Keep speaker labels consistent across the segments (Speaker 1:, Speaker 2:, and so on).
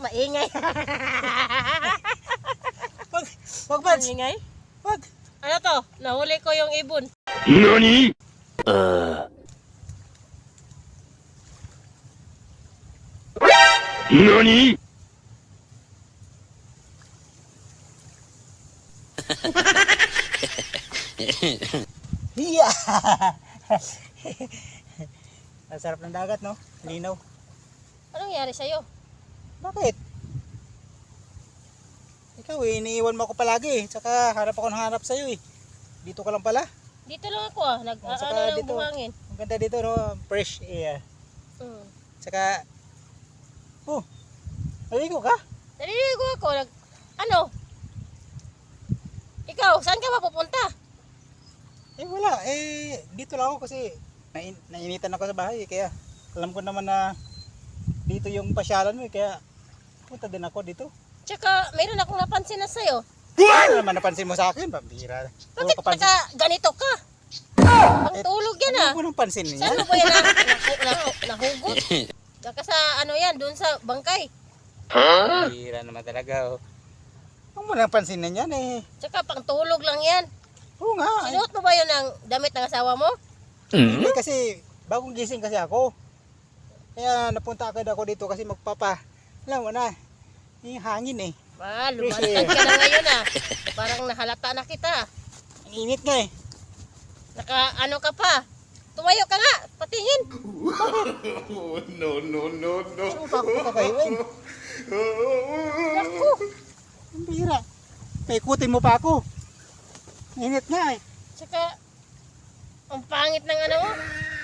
Speaker 1: Maingay.
Speaker 2: Wag Mads.
Speaker 1: Maingay?
Speaker 2: Wag.
Speaker 1: Ano to? Nahuli ko yung ibon.
Speaker 3: NANI?! NANI?!
Speaker 2: Hiya! Ang sarap ng dagat, no? Linaw.
Speaker 1: Anong nangyari sa'yo?
Speaker 2: Bakit? Ikaw iniiwan mo ako palagi eh. Tsaka harap ako ng harap sa'yo eh. Dito ka lang pala.
Speaker 1: Dito lang ako ah.
Speaker 2: Saka
Speaker 1: Ano lang
Speaker 2: dito.
Speaker 1: buhangin.
Speaker 2: Ang ganda dito, no? Fresh air.
Speaker 1: Hmm.
Speaker 2: Tsaka, naligo ka?
Speaker 1: Naliligo ako. Ano? Ikaw, saan ka mapupunta?
Speaker 2: Eh wala, dito lang ako kasi nainitan ako sa bahay kaya alam ko naman na dito yung pasyalan mo kaya punta din ako dito.
Speaker 1: Tsaka, mayroon akong napansin na sa'yo.
Speaker 2: Ano naman napansin mo sa akin? Pambira.
Speaker 1: Bakit ganito ka? Pangtulog yan ah.
Speaker 2: Ano mo nang pansin niya?
Speaker 1: Saan mo ba yan nahugot? Tsaka sa ano yan, doon sa bangkay.
Speaker 2: Pambira naman talaga. Oh. Ano mo nang pansin na yan eh?
Speaker 1: Tsaka pangtulog lang yan.
Speaker 2: Oo nga.
Speaker 1: Sinuot mo ba yun ang damit ng asawa mo?
Speaker 2: Hindi kasi bagong gising kasi ako. Kaya napunta agad ako dito kasi alam mo na, yung hangin eh.
Speaker 1: Lumantad ka na ngayon ah. Parang nahalata na kita.
Speaker 2: Ang init nga eh.
Speaker 1: Ano ka pa? Tumayo ka nga, patingin.
Speaker 3: No.
Speaker 2: Ano pa ako kakahiwin?
Speaker 1: Naku,
Speaker 2: Pambira. Paikutin mo pa ako. Init nga eh.
Speaker 1: tsaka, ang pangit ng ano mo.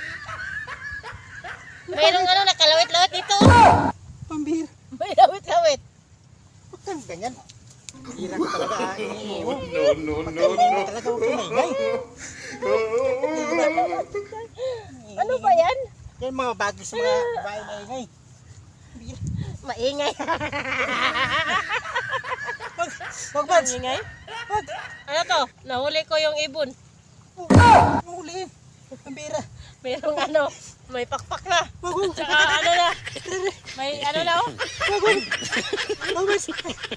Speaker 1: Mayroong nakalawit-lawit dito.
Speaker 2: Pambira.
Speaker 1: May lawit-lawit.
Speaker 2: Huwag kang ganyan. Pambira ka talaga ah.
Speaker 3: No.
Speaker 2: Huwag talaga huwag kang maingay.
Speaker 1: Ano ba yan?
Speaker 2: Yan mga bagis mga babae na ingay.
Speaker 1: Maingay.
Speaker 2: Wag Mads.
Speaker 1: Maingay?
Speaker 2: Wag.
Speaker 1: Ano to? Nahuli ko yung ibon.
Speaker 2: Huli. Pambira.
Speaker 1: Mayroong may pakpak na.
Speaker 2: Wag.
Speaker 1: Tsaka ano na. May ano na oh.
Speaker 2: Wag Mads.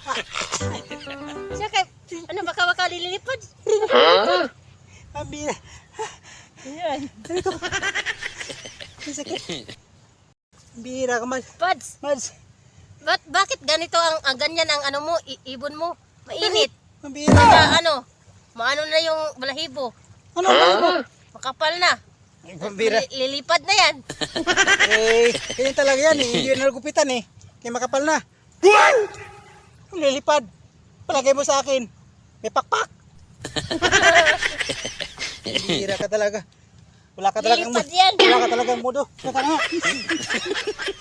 Speaker 1: Tsaka, baka lilipad.
Speaker 2: Pambira.
Speaker 1: Ayan.
Speaker 2: Ang sakit. Pambira ka Mads.
Speaker 1: Pads, bakit ganito ang ganyan ang ano mo, ibon mo? Mainit.
Speaker 2: Pambira.
Speaker 1: Saka maano na yung balahibo.
Speaker 2: Ano ba?
Speaker 1: Makapal na.
Speaker 2: Pambira.
Speaker 1: Lilipad na yan.
Speaker 2: Ganyan talaga yan eh. Hindi yun nagupitan eh. Kaya makapal na. Lilipad. Palagay mo sa akin. May pakpak. Pambira ka talaga. Wala ka talagang
Speaker 1: Lilipad yan.
Speaker 2: Wala ka talagang mudo. Saka na nga.